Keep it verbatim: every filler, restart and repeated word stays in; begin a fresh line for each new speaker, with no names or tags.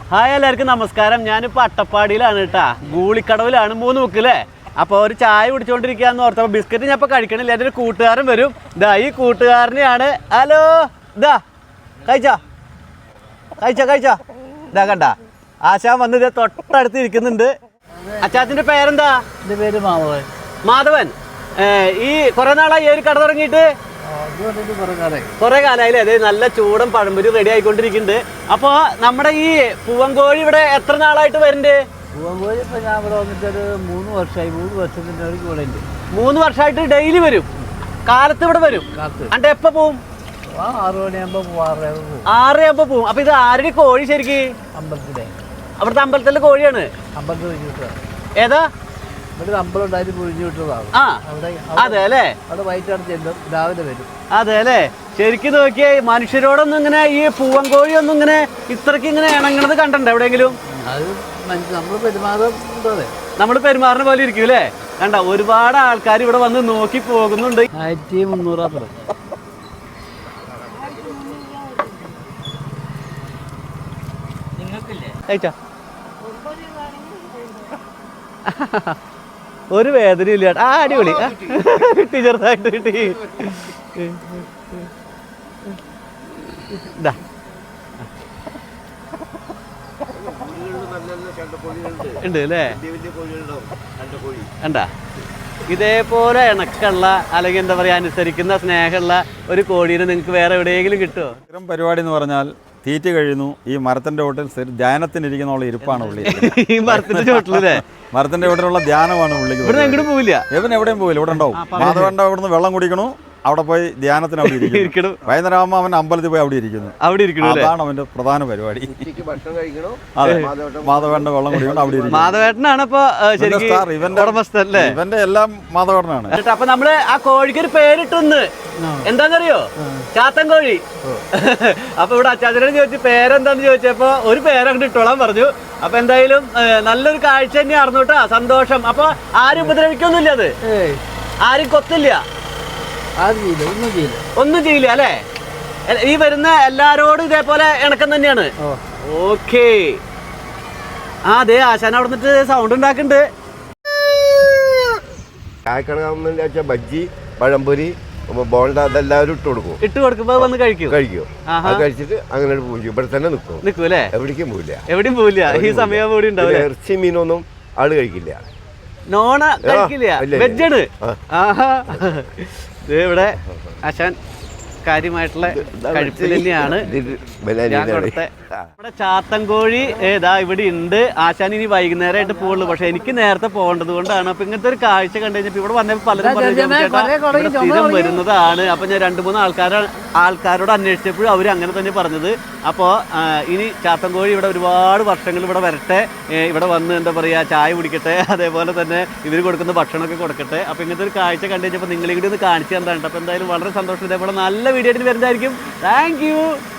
Hi എല്ലാവർക്കും നമസ്കാരം. ഞാനിപ്പോൾ അട്ടപ്പാടിയിലാണ് കേട്ടാ, ഗൂളിക്കടവിലാണ്, മൂന്ന് മുക്കില്ലേ. അപ്പോൾ ഒരു ചായ കുടിച്ചുകൊണ്ടിരിക്കുകയെന്ന് ഓർത്തപ്പോൾ ബിസ്ക്കറ്റ് ഞാൻ ഇപ്പോൾ കഴിക്കണില്ല. എൻ്റെ ഒരു കൂട്ടുകാരൻ വരും. ഇതാ ഈ കൂട്ടുകാരനെയാണ്. ഹലോ, ഇതാ കഴിച്ചാ കഴിച്ചാ കഴിച്ചാ ഇതാ കണ്ട ആശാൻ വന്ന് ഇതേ തൊട്ടടുത്ത് ഇരിക്കുന്നുണ്ട്. അച്ചാച്ചൻ്റെ പേരെന്താ?
എൻ്റെ പേര് മാധവൻ.
മാധവൻ, ഈ കുറെ നാളായി ഈ ഒരു കട തുടങ്ങിയിട്ട്? കുറെ കാലമായില്ലേ? അതെ, നല്ല ചൂടൻ പഴംപൊരി റെഡി ആയിക്കൊണ്ടിരിക്കുന്നുണ്ട്. അപ്പോൾ നമ്മുടെ ഈ പൂവൻകോഴി ഇവിടെ എത്ര നാളായിട്ട് വരുന്നുണ്ട്?
പൂവൻകോഴി ഇപ്പം ഞാൻ ഇവിടെ വന്നിട്ടൊരു മൂന്ന് വർഷമായി മൂന്ന് വർഷത്തിൻ്റെ ഒരു കൂടെ ഉണ്ട്.
മൂന്ന് വർഷമായിട്ട് ഡെയിലി വരും, കാലത്ത് ഇവിടെ വരും. അണ്ട് എപ്പോൾ പോവും?
ആ ആറു മണിയാകുമ്പോൾ പോകും, ആറരയാകുമ്പോൾ പോകും.
ആറരയാകുമ്പോൾ പോവും. അപ്പോൾ ഇത് ആരുടെ കോഴി ശരിക്ക്?
അമ്പലത്തിലെ.
അവിടുത്തെ അമ്പലത്തിലെ കോഴിയാണ്?
അമ്പലത്തിൽ പൊഴിഞ്ഞു വിട്ടതാണ്.
ഏതാ?
ഇവിടെ അമ്പലം ഉണ്ടായിട്ട് പൊഴിഞ്ഞു വിട്ടതാണ്.
ആ
അവിടെ
അതെ അല്ലേ?
അവിടെ വൈകിട്ടാണ് ചെല്ലും, രാവിലെ വരും.
അതെ അല്ലേ? ശരിക്കും നോക്കിയേ, മനുഷ്യരോടൊന്നും ഇങ്ങനെ ഈ പൂവൻകോഴി ഒന്നും ഇങ്ങനെ ഇത്രയ്ക്ക് ഇങ്ങനെ ഇണങ്ങണത് കണ്ടണ്ട എവിടെയെങ്കിലും?
അത് നമ്മൾ പെരുമാറും.
നമ്മൾ പെരുമാറുന്ന പോലെ ഇരിക്കും അല്ലേ? കണ്ട ഒരുപാട് ആൾക്കാർ ഇവിടെ വന്ന് നോക്കി പോകുന്നുണ്ട്.
ആയിരത്തി മുന്നൂറാ പറ.
കഴിച്ചാ ഒരു വേദന ഇല്ല. ആ അടിപൊളി, കിട്ടി, ചെറുതായിട്ട് കിട്ടി. ഇതാ ഉണ്ട് അല്ലേ? കണ്ടാ ഇതേപോലെ ഇണക്കുള്ള അല്ലെങ്കിൽ എന്താ പറയുക അനുസരിക്കുന്ന സ്നേഹമുള്ള ഒരു കോഴീനെ നിങ്ങൾക്ക് വേറെ എവിടെയെങ്കിലും കിട്ടുമോ?
ഇത്തരം പരിപാടി എന്ന് പറഞ്ഞാൽ തീറ്റ കഴിയുന്നു, ഈ മരത്തിന്റെ ചോട്ടിൽ ധ്യാനത്തിനിരിക്കുന്ന ഇരിപ്പാണ് പുള്ളി.
ഈ മരത്തിന്റെ ചോട്ടിലല്ലേ?
മരത്തിന്റെ ചോട്ടിലുള്ള ധ്യാനമാണ് പുള്ളിക്ക്.
ഇവിടെ എങ്ങോട്ടും പോവില്ല,
ഇവൻ എവിടെയും പോവില്ല, ഇവിടെ ഉണ്ടാവും. മാധവന്റെ അവിടുന്ന് വെള്ളം കുടിക്കണു, അവിടെ പോയി ധ്യാനത്തിന് അവിടെ ഇരിക്കണം. വൈകുന്നേരം ആകുമ്പോൾ അവൻ അമ്പലത്തിൽ പോയി അവിടെ ഇരിക്കുന്നു. അവിടെ ഇരിക്കണം, അതാണ് അവന്റെ പ്രധാന പരിപാടി. അതെ, മാധവേട്ടന്റെ വെള്ളം കുടിക്കണം, അവിടെ ഇരിക്കും.
മാധവേട്ടനാണ് ഇപ്പൊ ഇവന്റെ
ഇവന്റെ എല്ലാം മാധവേട്ടനാണ്.
അപ്പൊ നമ്മള് ആ കോഴിക്ക് ഒരു പേരിട്ടൊന്ന് എന്താന്നറിയോ? ചാത്തൻ കോഴി. അപ്പൊ ഇവിടെ അച്ചാച്ചനോട് ചോദിച്ചു പേരെന്താന്ന് ചോദിച്ചപ്പോ ഒരു പേരങ്ങോട്ട് ഇട്ടോളാൻ പറഞ്ഞു. അപ്പൊ എന്തായാലും നല്ലൊരു കാഴ്ച തന്നെയായിരുന്നു കേട്ടാ, സന്തോഷം. അപ്പൊ ആരും ഉപദ്രവിക്കൊന്നുമില്ല, അത് ആരും കൊത്തില്ല, ഒന്നും ചെയ്യില്ല അല്ലേ? ഈ വരുന്ന എല്ലാരോടും ഇതേപോലെ ഇണക്കം തന്നെയാണ്. ഓക്കേ. ആ അതെ, ആശാൻ അവിടെ നിന്നിട്ട് സൗണ്ട് ഉണ്ടാക്കുന്നുണ്ട്.
ചായക്കട ബജ്ജി, പഴംപൊരി, ബോണ്ട അതെല്ലാവരും ഇട്ട് കൊടുക്കും.
ഇട്ട് കൊടുക്കുമ്പോ വന്ന് കഴിക്കും കഴിക്കും
കഴിച്ചിട്ട് അങ്ങനെ പോകും. ഇവിടെ തന്നെ നിൽക്കും, നിൽക്കും അല്ലേ? എവിടേക്കും പോവില്ല,
എവിടെയും പോവില്ല. ഈ സമയം കൂടി ഉണ്ടാവില്ല.
ഇറച്ചി മീനൊന്നും ആള് കഴിക്കില്ല,
നോണ കഴിക്കില്ല, വെജാണ്. ആഹാ, ഇവിടെ ആശാൻ കാര്യമായിട്ടുള്ള കഴിപ്പിൽ തന്നെയാണ്. നമ്മുടെ ചാത്തൻകോഴി ഏതാ ഇവിടെ ഉണ്ട്. ആശാൻ ഇനി വൈകുന്നേരമായിട്ട് പോകുള്ളൂ, പക്ഷെ എനിക്ക് നേരത്തെ പോകേണ്ടത് കൊണ്ടാണ്. അപ്പൊ ഇങ്ങനത്തെ ഒരു കാഴ്ച കണ്ടു കഴിഞ്ഞപ്പോൾ ഇവിടെ വന്നപ്പോൾ പലരും പറഞ്ഞു സ്ഥിരം വരുന്നതാണ്. അപ്പൊ ഞാൻ രണ്ട് മൂന്ന് ആൾക്കാർ ആൾക്കാരോട് അന്വേഷിച്ചപ്പോഴും അവർ അങ്ങനെ തന്നെ പറഞ്ഞത്. അപ്പോൾ ഇനി ചാത്തൻകോഴി ഇവിടെ ഒരുപാട് വർഷങ്ങൾ ഇവിടെ വരട്ടെ, ഇവിടെ വന്ന് എന്താ പറയുക ചായ കുടിക്കട്ടെ, അതേപോലെ തന്നെ ഇവർ കൊടുക്കുന്ന ഭക്ഷണമൊക്കെ കൊടുക്കട്ടെ. അപ്പോൾ ഇങ്ങനത്തെ ഒരു കാഴ്ച കണ്ടു കഴിഞ്ഞപ്പോൾ നിങ്ങളെ കൂടി ഒന്ന് കാണിച്ചു തന്നിട്ടുണ്ട്. അപ്പോൾ എന്തായാലും വളരെ സന്തോഷം. ഇതേപോലെ നല്ല വീഡിയോ ആയിട്ട് വരുന്നതായിരിക്കും. Thank U.